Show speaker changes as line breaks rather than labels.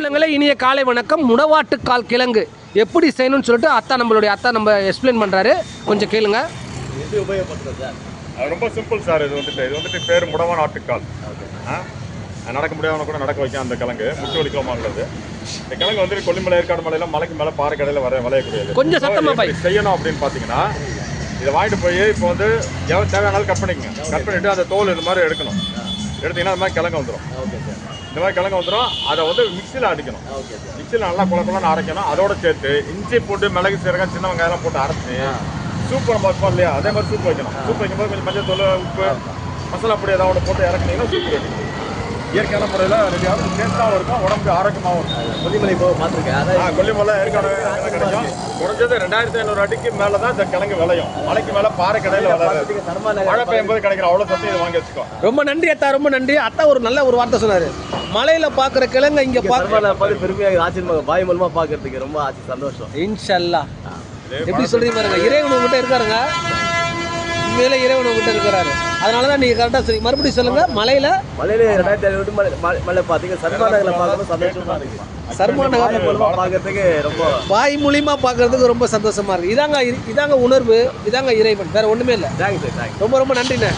சொந்தங்களே, இனிய காலை வணக்கம். முடவாட்டுக்கால் கிழங்கு எப்படி செய்யணும்னு சொல்லிட்டு நம்மளுடைய அத்தா நம்ம எக்ஸ்பிளைன் பண்ணுறாரு. கொஞ்சம் கேளுங்க.
எப்படி உபயோகப்படுத்துறது சார்?
அது ரொம்ப சிம்பிள் சார். இது வந்துட்டு பேர் முடவான் ஆட்டுக்கால். நடக்க முடியாதவங்க கூட நடக்க வைக்கும். அந்த கிழங்கு முக்கிய வலிக்கமாக உள்ளது. இந்த கிழங்கு வந்துட்டு கொல்லிமலை, ஏற்காடு மலையெல்லாம் மலைக்கு மேலே பாறை கடையில் விளையக்கூடியது.
கொஞ்சம் சத்தமாக
செய்யணும் அப்படின்னு பார்த்தீங்கன்னா, இதை வாங்கிட்டு போய் இப்போ வந்து எவ்வளோ தேவையானாலும் கட் பண்ணிக்கங்க. கட் பண்ணிவிட்டு அந்த தோல் இந்த மாதிரி எடுக்கணும். எடுத்தீங்கன்னா அந்த மாதிரி கிழங்கு வந்துடும்.
Okay sir.
இந்த மாதிரி கிழங்கு வந்துடும். அதை வந்து மிக்சியில் அடிக்கணும்.
Okay sir.
மிக்சியில் நல்லா குழப்பம்லாம் அரைக்கணும். அதோட சேர்த்து இஞ்சி போட்டு மிளகு சீரகம் சின்ன வெங்காயம்லாம் போட்டு அரைச்சி சூப் நம்ம வைப்போம் இல்லையா, அதே மாதிரி சூப் வைக்கணும். சூப் வைக்கும்போது கொஞ்சம் மஞ்சள் தூள், உப்பு, மசாலா பொடி ஏதாவது போட்டு இறக்குனீங்கன்னா சூப் ரெடி. இயற்கையான முறையில் ரெடியாகும். டேஸ்ட்டாகவும் இருக்கும், உடம்புக்கு ஆரோக்கியமாகவும் இருக்கும்.
கொல்லிமலை போக பார்த்துருக்கேன்.
கொல்லிமலை, ஏற்காடு கிடைக்கும். குறைஞ்சது 2500 அடிக்கு மேலே தான் இந்த கிழங்கு விளையும். மலைக்கு மேலே பாறை கடையில் விளையாது. மழை பெய்யும்போது கிடைக்கிற அவ்வளோ சத்து இதை வாங்கி வச்சுக்கோ.
ரொம்ப நன்றி அத்தா, ரொம்ப நன்றி அத்தா. ஒரு நல்ல ஒரு வார்த்தை சொன்னார். மலையில் பார்க்குற கிழங்கு இங்கே
பார்த்து பெருமையாக ஆச்சரியமாக பாய் மூலமாக பார்க்கறதுக்கு ரொம்ப சந்தோஷம்.
இன்ஷல்லா. எப்படி சொல்றீங்க பாருங்க, இறைவன் உங்ககிட்ட இருக்காருங்க. உண்மையில இறைவன் உங்ககிட்ட இருக்கிறாரு. அதனால தான் நீங்கள் கரெக்டாக சொல்லி மறுபடியும் சொல்லுங்க. மலையில்
2500 மலை பார்த்தீங்க. சர்மாநகரில் பார்க்கணும் சந்தோஷமா இருக்கு.
சர்மாநகர்
மூலமாக பார்க்கறதுக்கு ரொம்ப
வாய் மூலியமா பார்க்கறதுக்கு ரொம்ப சந்தோஷமா இருக்கு. இதாங்க உணர்வு, இதாங்க இறைவன், வேற ஒண்ணுமே இல்லை.
Thanks sir.
ரொம்ப ரொம்ப நன்றிண்ணே.